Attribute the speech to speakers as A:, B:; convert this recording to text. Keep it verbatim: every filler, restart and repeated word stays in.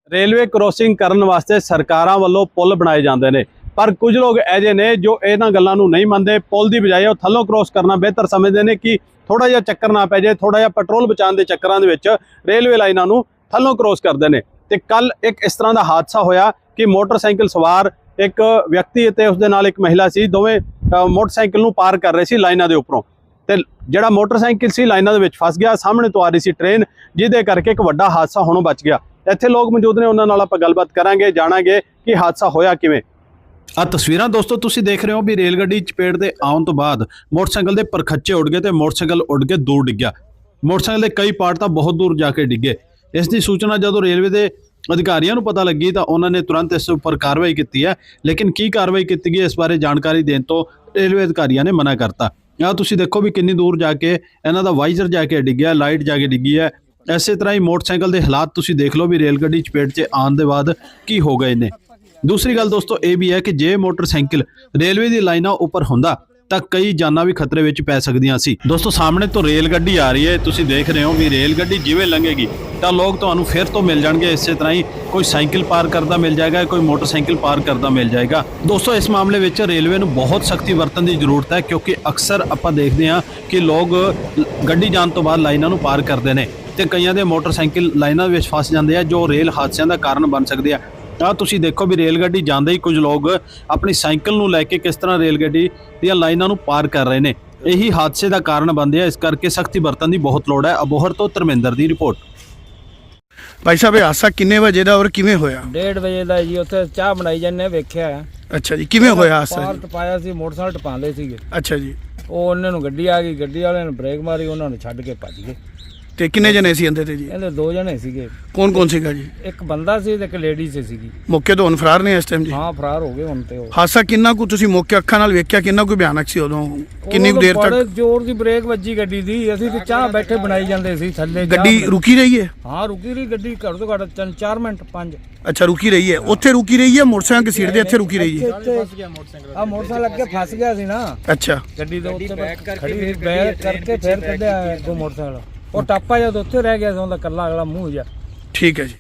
A: Railway crossing करने वास्ते सरकारां वालों पुल बनाए जाते हैं, पर कुछ लोग ऐसे ने जो इन्हां गल्लां नूं नहीं मनते। पुल की बजाय थल्लों क्रॉस करना बेहतर समझते हैं कि थोड़ा जिहा चक्कर ना पै जाए, थोड़ा जिहा पेट्रोल बचाने के चक्करां दे विच रेलवे लाइनां नूं थल्लों क्रॉस करते हैं। तो कल एक इस तरह का हादसा होया कि मोटरसाइकिल सवार एक व्यक्ति ते उसदे नाल एक महिला सी, दोवें मोटरसाइकिल नूं पार कर रहे सी लाइनां दे उपरों, ते जिहड़ा मोटरसाइकिल सी लाइनां दे विच फस गया। सामने तो आ रही सी ट्रेन, जिहदे करके एक वड्डा हादसा होणों बच गया। ਇੱਥੇ लोग मौजूद ने, उन्हां नाल आपां गलबात करांगे, जाणांगे कि हादसा होया किवें। आ तस्वीरां दोस्तों तुसीं देख रहे हो भी रेल गड्डी चपेट दे आउण तो बाद मोटरसाइकिल दे परखच्चे उड़ गए ते मोटरसाइकिल उड़ के दूर डिग्या। मोटरसाइकिल दे कई पार्ट तां बहुत दूर जाके डिगे। इस दी सूचना जदों रेलवे दे अधिकारियों नूं पता लगी तां उन्हां ने तुरंत इस उपर कार्रवाई की है, लेकिन की कार्रवाई की गई इस बारे जानकारी देण तो रेलवे अधिकारियों ने मना करता। आ तुसीं देखो भी किन्नी दूर जाके इन्हां दा वाइजर जाके डिग्या, लाइट जाके डिगी है। इसे तरह ही मोटरसाइकिल के हालात तुसीं देख लो भी रेल गड्डी चपेट च आने के बाद की हो गए ने। दूसरी गल दोस्तों ये भी है कि जे मोटरसाइकिल रेलवे की लाइनां उपर हुंदा तां कई जानां भी खतरे विच पै सकदियां सी। दोस्तों सामने तो रेल गड्डी आ रही है, तुसीं देख रहे हो भी रेल गड्डी जिवें लंघेगी तां लोग तुहानूं फिर तो मिल जाणगे। इस तरह ही कोई साइकिल पार करता मिल जाएगा, कोई मोटरसाइकिल पार करता मिल जाएगा। दोस्तों इस मामले में रेलवे नूं बहुत सख्ती वरतन की जरूरत है, क्योंकि अक्सर आपां देखते हैं कि लोग गड्डी जाण तो बाद लाइनां नूं पार करते हैं ते कईयां दे मोटरसाइकिल लाइनां विच फस जाते हैं, जो रेल हादसिਆਂ ਦਾ ਕਾਰਨ बन सकते हैं। आ तुसीं देखो भी रेल गड्डी जांदे ही कुछ लोग अपनी साइकिल नूं लैके किस तरह रेल गड्डी दीआं लाइनां नूं पार कर रहे हैं। यही हादसे का कारण बनते हैं, इस करके सख्ती बरतन की बहुत लोड़ है। अबोहर तो धर्मेंद्र की रिपोर्ट।
B: भाई साहब हादसा किन्ने बजे का और किवें होया?
C: डेढ़ बजे का जी, उत्थे चाह बनाई जाने वेख्या है।
B: अच्छा जी, किवें होया हादसा?
C: पार टपाया सी, मोटरसाइकिल टपांदे सीगे।
B: अच्छा जी,
C: ਉਹ ਉਹਨਾਂ ਨੂੰ ਗੱਡੀ ਆ ਗਈ, ਗੱਡੀ ਵਾਲਿਆਂ ਨੇ ਬ੍ਰੇਕ ਮਾਰੀ, ਉਹਨਾਂ ਨੂੰ ਛੱਡ ਕੇ ਭੱਜ ਗਏ।
B: ਤੇ ਕਿੰਨੇ ਜਣੇ ਸੀ ਅੰਦਰ ਤੇ ਜੀ?
C: ਇਹਦੇ ਦੋ ਜਣੇ ਸੀਗੇ।
B: ਕੌਣ ਕੌਣ ਸੀਗਾ ਜੀ?
C: ਇੱਕ ਬੰਦਾ ਸੀ ਤੇ ਇੱਕ ਲੇਡੀ ਸੀ ਸੀਗੀ।
B: ਮੌਕੇ ਤੋਂ ਹੁਣ ਫਰਾਰ ਨੇ ਇਸ ਟਾਈਮ ਜੀ?
C: ਹਾਂ ਫਰਾਰ ਹੋ ਗਏ ਹੁਣ ਤੇ ਉਹ।
B: ਹਾਦਸਾ ਕਿੰਨਾ ਕੁ ਤੁਸੀਂ ਮੌਕੇ ਅੱਖਾਂ ਨਾਲ ਵੇਖਿਆ, ਕਿੰਨਾ ਕੁ ਭਿਆਨਕ ਸੀ ਉਦੋਂ? ਕਿੰਨੀ ਕੁ ਦੇਰ
C: ਬੜੇ
B: ਤੱਕ
C: ਜ਼ੋਰ ਦੀ ਬ੍ਰੇਕ ਵੱਜੀ ਗੱਡੀ ਦੀ। ਅਸੀਂ ਤੇ ਚਾਹ ਬੈਠੇ ਬਣਾਈ ਜਾਂਦੇ ਸੀ ਥੱਲੇ।
B: ਗੱਡੀ ਰੁਕੀ ਰਹੀ ਹੈ?
C: ਹਾਂ ਰੁਕੀ ਰਹੀ ਗੱਡੀ, ਘੱਟ ਤੋਂ ਘੱਟ ਤਿੰਨ ਚਾਰ ਮਿੰਟ ਪੰਜ।
B: ਅੱਛਾ ਰੁਕੀ ਰਹੀ ਹੈ, ਉੱਥੇ ਰੁਕੀ ਰਹੀ ਹੈ ਮੋਟਰਸਾਈਕਲ ਦੀ ਸੀਟ ਦੇ ਇੱਥੇ ਰੁਕੀ ਰਹੀ ਹੈ?
C: ਆ ਮੋਟਰਸਾਈਕਲ ਅੱਗੇ ਫਸ ਗਿਆ ਸੀ ਨਾ।
B: ਅੱਛਾ
C: ਗੱਡੀ ਦੇ ਉੱਤੇ ਖੜੀ ਸੀ, ਬੈਕ ਕਰਕੇ ਫਿਰ ਕੱਢਿਆ ਅੱਗੋਂ ਮੋਟਰਸਾਈਕਲ। ਉਹ ਟਾਪਾ ਜਦ ਉੱਥੇ ਰਹਿ ਗਿਆ ਸੀ, ਉਹਦਾ ਕੱਲਾ ਅਗਲਾ ਮੂੰਹ ਜਾ।
B: ਠੀਕ ਹੈ ਜੀ।